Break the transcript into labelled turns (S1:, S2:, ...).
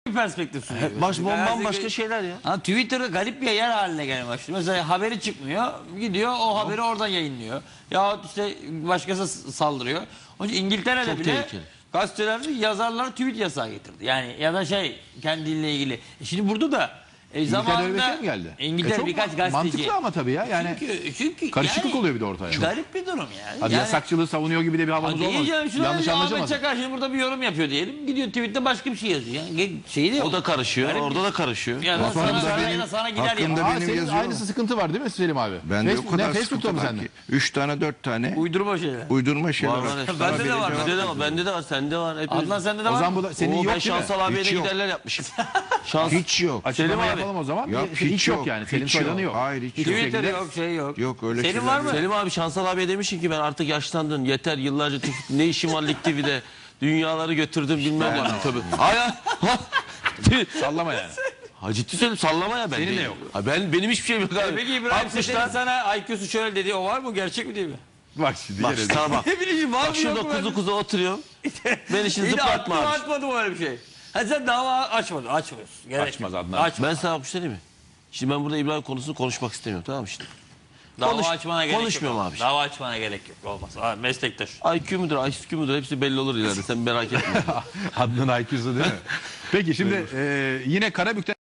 S1: bir perspektif sunuyor.
S2: Bambaşka şeyler ya.
S1: Ha, Twitter'da garip bir yer haline gelmeye başladı. Mesela haberi çıkmıyor, gidiyor o haberi oradan yayınlıyor. Ya işte başkası saldırıyor. Onun için İngiltere'de
S2: Çok
S1: bile
S2: tehlikeli.
S1: gazetelerde yazarlar tweet yasağı getirdi. Yani ya da kendiyle ilgili. Şimdi burada da
S3: İngiltere'de öyle bir şey mi geldi?
S1: İngiltere
S3: Çok
S1: birkaç gazeteci.
S3: mantıklı ama tabii ya. Yani
S1: Çünkü
S3: karışıklık oluyor bir de ortaya.
S1: Garip bir durum yani.
S3: Hadi yasakçılığı savunuyor gibi de bir havamız olmaz. Yanlış
S1: Ahmet
S3: anlaşılmasın.
S1: Çakar şimdi burada bir yorum yapıyor diyelim. Gidiyor tweette başka bir şey yazıyor. Yani şeyi de yok.
S2: O da karışıyor.
S1: Garip
S2: Orada da karışıyor.
S1: Yani
S4: Hakkında
S1: sana gider
S4: hakkında
S1: ya.
S3: Aa,
S4: benim
S3: senin
S4: yazıyor.
S3: aynısı sıkıntı var değil mi Selim abi?
S4: Bende o kadar
S3: Facebook'ta
S4: sıkıntı
S3: mı
S4: var
S3: sende?
S4: ki. 3 tane 4 tane
S1: Uydurma şeyler.
S4: uydurma şeyler
S2: Var,
S4: var.
S2: var.
S1: Bende de var.
S2: Bende de var. Bende de var. Sende var. Hepimiz.
S1: Adnan sende de
S3: O
S1: var
S3: zaman
S1: mı?
S3: bu da senin
S2: Oo,
S3: yok
S2: ben
S3: değil mi?
S2: Şansal abiye de
S4: Hiç yok.
S2: giderler yapmışım. Şans.
S4: Hiç yok.
S3: Açıklama
S2: Selim abi.
S3: yapalım o zaman.
S4: Yok,
S3: Hiç yok yani. Selim
S4: hiç
S3: Soydan'ı yok.
S4: Hayır hiç yok.
S1: Twitter
S3: şekilde-
S1: yok, şey yok.
S4: Yok öyle
S1: Senin
S4: şeyler
S1: var mı?
S4: yok.
S2: Selim abi Şansal abiye demişsin ki ben artık yaşlandın. Yeter yıllarca ne işim var Lig TV'de. Dünyaları götürdüm bilmem ne. Tabii.
S3: Sallama yani.
S2: Ha ciddi söylüyorum sallama ya ben.
S3: Senin de
S2: değilim.
S3: yok.
S2: Ha benim hiçbir şeyim yok abi.
S1: Peki İbrahim Seçen'in
S2: 60'lar.
S1: sana IQ'su şöyle dedi, o var mı? Gerçek mi değil mi?
S3: Bak şimdi
S2: Bak
S3: gene de-
S2: sana bak.
S1: Ne bileyim var
S2: Bak
S1: mı
S2: şurada
S1: yok mu?
S2: kuzu kuzu oturuyorum. Beni şimdi
S1: İyi de
S2: zıplatma
S1: aklıma
S2: abi.
S1: atmadım öyle bir şey. Ha sen dava açmadın, açmıyorsun. Gerek
S3: Açmaz
S1: yok.
S3: Adnan.
S1: Açma.
S2: Ben sana bir şey diyeyim mi? Şimdi ben burada İbrahim konusunu konuşmak istemiyorum tamam mı şimdi?
S1: Dava
S2: Konuş-
S1: açmana gerek
S2: konuşmuyorum
S1: yok.
S2: abi.
S1: Dava açmana gerek yok. Olmaz. Abi, meslektaş.
S2: IQ müdür, IQ müdür hepsi belli olur ileride sen merak etme.
S3: Adnan IQ'su değil mi? Peki şimdi yine Karabük'te